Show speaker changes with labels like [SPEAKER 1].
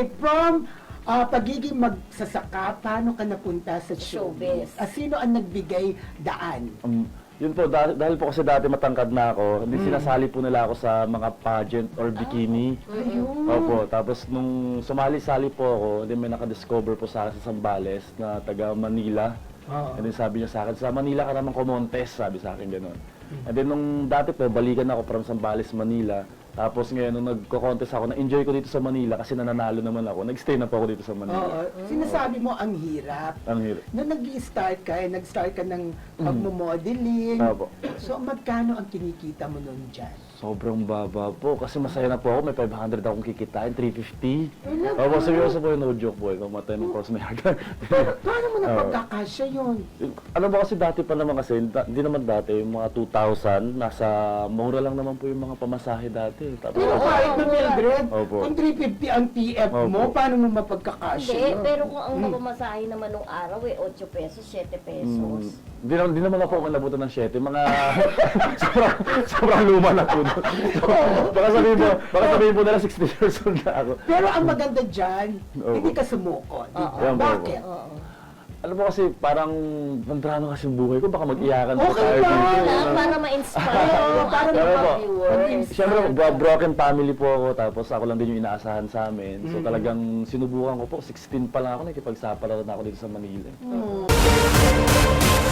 [SPEAKER 1] Okay, from pagiging magsasaka, paano ka napunta sa showbiz?
[SPEAKER 2] Showbiz.
[SPEAKER 1] Sino ang nagbigay daan?
[SPEAKER 3] Yun po, dahil po kasi dati matangkad na ako, hindi sinasali po nila ako sa mga pageant or bikini.
[SPEAKER 1] Ayun.
[SPEAKER 3] Opo, tapos nung sumali-sali po ako, hindi may nakadiscover po sa akin sa Zambales na taga Manila.
[SPEAKER 1] Oo.
[SPEAKER 3] And then sabi niya sa akin, sa Manila ka naman kumontes, sabi sa akin gano'n. And then nung dati po, balikan ako from Zambales, Manila. Tapos ngayon, nung nagko-contest ako, na-enjoy ko dito sa Manila kasi nananalo naman ako. Nag-stay na po ako dito sa
[SPEAKER 1] Oo.
[SPEAKER 3] Manila.
[SPEAKER 1] Sinasabi mo ang hirap.
[SPEAKER 3] Ang hirap.
[SPEAKER 1] Nung nag-start ka ng pagmo-modeling.
[SPEAKER 3] Opo.
[SPEAKER 1] So, magkano ang kinikita mo nun dyan?
[SPEAKER 3] Sobrang baba po. Kasi masaya na po ako. May 500 akong kikitain, 350. Opo, seryoso po yun. No joke po. Mamatay ng cross may hagan.
[SPEAKER 1] Paano mo napagkakasya yun?
[SPEAKER 3] Ano ba kasi dati pa naman kasi, hindi naman dati, yung mga 2,000, nasa mura lang naman po yung mga pamasahe dati. Tapos,
[SPEAKER 1] Pero kahit na Mildred,
[SPEAKER 3] Opo.
[SPEAKER 1] kung 350 ang TF mo,
[SPEAKER 3] Opo.
[SPEAKER 1] paano mo mapagkakasya
[SPEAKER 2] Hindi,
[SPEAKER 1] yun?
[SPEAKER 2] pero kung ang mapamasahe naman nung araw 8 pesos, 7 pesos.
[SPEAKER 3] Hindi naman ako umalabutan ng 7. Mga sobrang luma na po. Baka sabihin po nila 60 years old na ako.
[SPEAKER 1] Pero ang maganda dyan,
[SPEAKER 3] Opo.
[SPEAKER 1] hindi ka sumuko. di ba?
[SPEAKER 3] Yan po,
[SPEAKER 1] Bakit?
[SPEAKER 2] Oo.
[SPEAKER 3] Alam mo kasi parang mandrano kasi yung buhay ko. Baka mag-iyakan pa
[SPEAKER 1] Okay
[SPEAKER 3] tayo
[SPEAKER 1] lang.
[SPEAKER 3] dito.
[SPEAKER 2] Para ma-inspire yung
[SPEAKER 1] para
[SPEAKER 2] ating
[SPEAKER 3] Pero
[SPEAKER 2] mga
[SPEAKER 3] po,
[SPEAKER 2] viewers.
[SPEAKER 3] Siyempre, broken family po ako, tapos ako lang din yung inaasahan sa amin. So talagang sinubukan ko po, 16 pa lang ako, nakikipagsapalaran na ako dito sa Manila.